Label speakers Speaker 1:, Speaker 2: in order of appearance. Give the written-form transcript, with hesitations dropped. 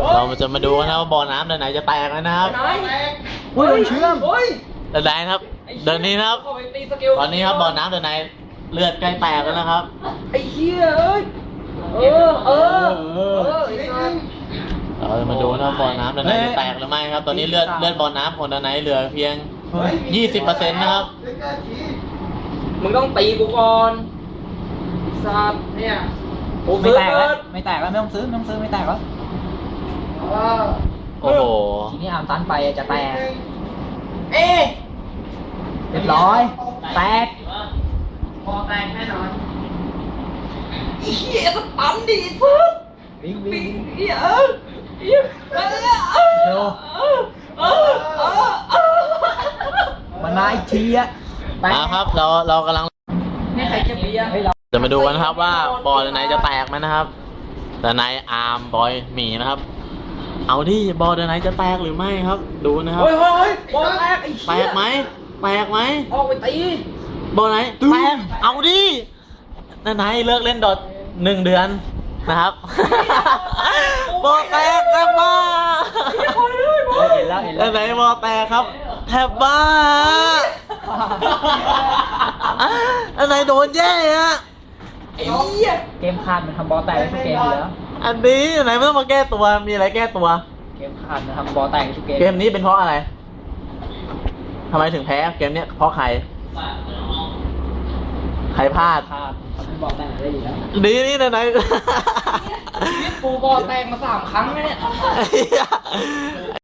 Speaker 1: เราจะมาดูกันนะว่าบ่อน้ำไหนจะแตกแล้วนะครับ
Speaker 2: โอ้ยเชื่อม
Speaker 1: เดินไหนครับ เดินนี้นะครับ ตอนนี้ครับบ่อน้ำเดินไหนเลือดใกล้แตกแล้วนะครับ
Speaker 2: ไอ้เหี้ยเอ้ย
Speaker 1: เราจะมาดูนะบ่อน้ำเดินไหนจะแตกหรือไม่ครับ ตอนนี้เลือดบ่อน้ำของเดินไหนเหลือเพียง 20%นะครับ
Speaker 2: มึงต้องตีกูก่อนสัตว์เนี่ยไม่แตกแล้วไม่แตกแล้วไม่ต้องซื้อไม่แตกแล้ว
Speaker 1: โอ้โห
Speaker 2: ทีนี้อาร์มตันไปจะแตกเรียบร้อยแตกพอแตกแน่นอนไอ้เหี้ยสตันดีสุดวิ่งเร็วมันมาอีกทีอะ
Speaker 1: ครับเรากำลัง
Speaker 2: ให้ใครจะเบียร์ให้เรา
Speaker 1: จะมาดูกันครับว่าบ่อไหนจะแตกไหมนะครับ แต่ในอาร์มบอยหมีนะครับ เอาดิบ่อไหนจะแตกหรือไม่ครับ ดูนะครับ
Speaker 2: เฮ้ยบอลแตกไอ้
Speaker 1: แตกไหมแตกไหม
Speaker 2: ออกไปตี
Speaker 1: บ่อไหนแตกเอาดิไหนเลิกเล่นดอท1 เดือนนะครับบ่อแตกแทบบ้า
Speaker 2: เห็นแล้ว
Speaker 1: ไหนบ่อแตกครับแทบบ้าไหนโดนแย่ฮะ
Speaker 2: ไอ้เหี้ยเกมขาดมันทำบอลแตกทุกเกมอยู่แล้ว
Speaker 1: อันนี้ไหนไม่ต้องมาแก้ตัวมีอะไรแก้ตัว
Speaker 2: เกมขาดมันทำบอลแตกทุกเกม
Speaker 1: เกมนี้เป็นเพราะอะไรทำไมถึงแพ้เกมเนี้ยเพราะใครพลาด
Speaker 2: ขาดทำบอลแตกได้อยู่แล้ว
Speaker 1: นี่ไหน
Speaker 2: กูบอลแตกมา3 ครั้งแล้วเนี่ย